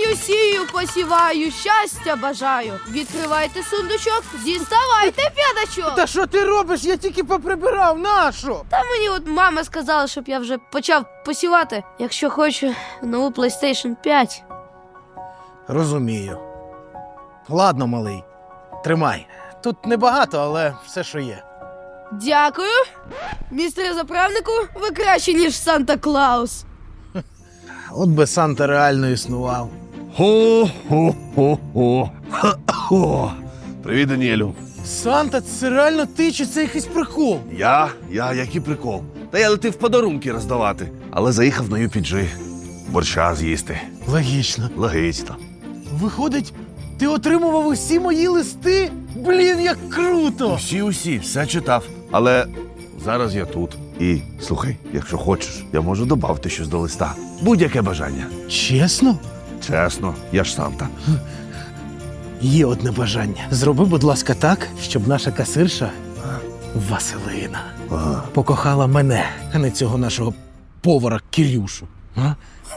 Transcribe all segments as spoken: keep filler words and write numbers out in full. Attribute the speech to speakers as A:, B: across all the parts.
A: Сію, сію, посіваю, щастя бажаю. Відкривайте сундучок, діставайте п'ятачок.
B: Та що ти робиш? Я тільки поприбирав, нащо?
A: Та мені от мама сказала, щоб я вже почав посівати, якщо хочу нову PlayStation п'ять.
B: Розумію. Ладно, малий, тримай. Тут небагато, але все, що є.
A: Дякую. Містере заправнику, ви краще, ніж Санта-Клаус.
B: От би Санта реально існував.
C: Хо-хо-хо-хо. Ха-хо. Привіт, Даніелю.
B: Санта, це реально ти чи це якийсь прикол?
C: Я? Я, який прикол. Та я летив подарунки роздавати, але заїхав на ю пі джі. Борща з'їсти.
B: Логічно.
C: Логічно.
B: Виходить, ти отримував усі мої листи? Блін, як круто!
C: Усі-усі, все читав. Але зараз я тут. І, слухай, якщо хочеш, я можу додати щось до листа. Будь-яке бажання.
B: Чесно?
C: Чесно, я ж Санта.
B: Є одне бажання. Зроби, будь ласка, так, щоб наша касирша Василина
C: Ага.
B: покохала мене, а не цього нашого повара Кирюшу. А?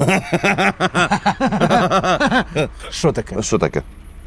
B: Що таке?
C: А що таке?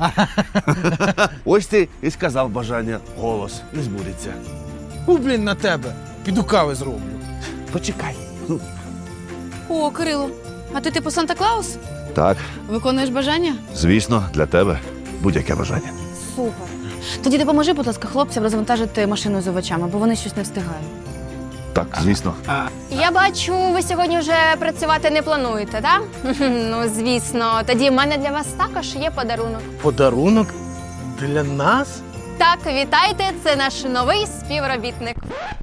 C: Ось ти і сказав бажання. Голос не збудеться.
B: У, блін, на тебе. Піду кави зроблю.
C: Почекай. Ну,
D: О, Кирило, а ти типу Санта-Клаус?
C: так,
D: Виконуєш бажання?
C: звісно, для тебе будь-яке бажання.
D: Супер. Тоді допоможи, будь ласка, хлопцям розвантажити машину з овочами, бо вони щось не встигають.
C: Так, звісно.
E: Я бачу, ви сьогодні вже працювати не плануєте, так? Ну, звісно. Тоді в мене для вас також є подарунок.
B: Подарунок для нас?
E: Так, вітайте, це наш новий співробітник.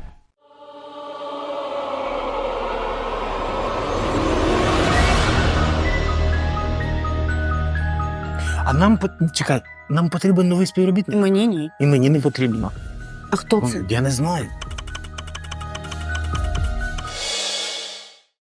B: А нам по- чекай, нам потрібен новий співробітник.
D: Мені ні.
B: І мені не потрібно.
D: А хто це?
B: Я не знаю.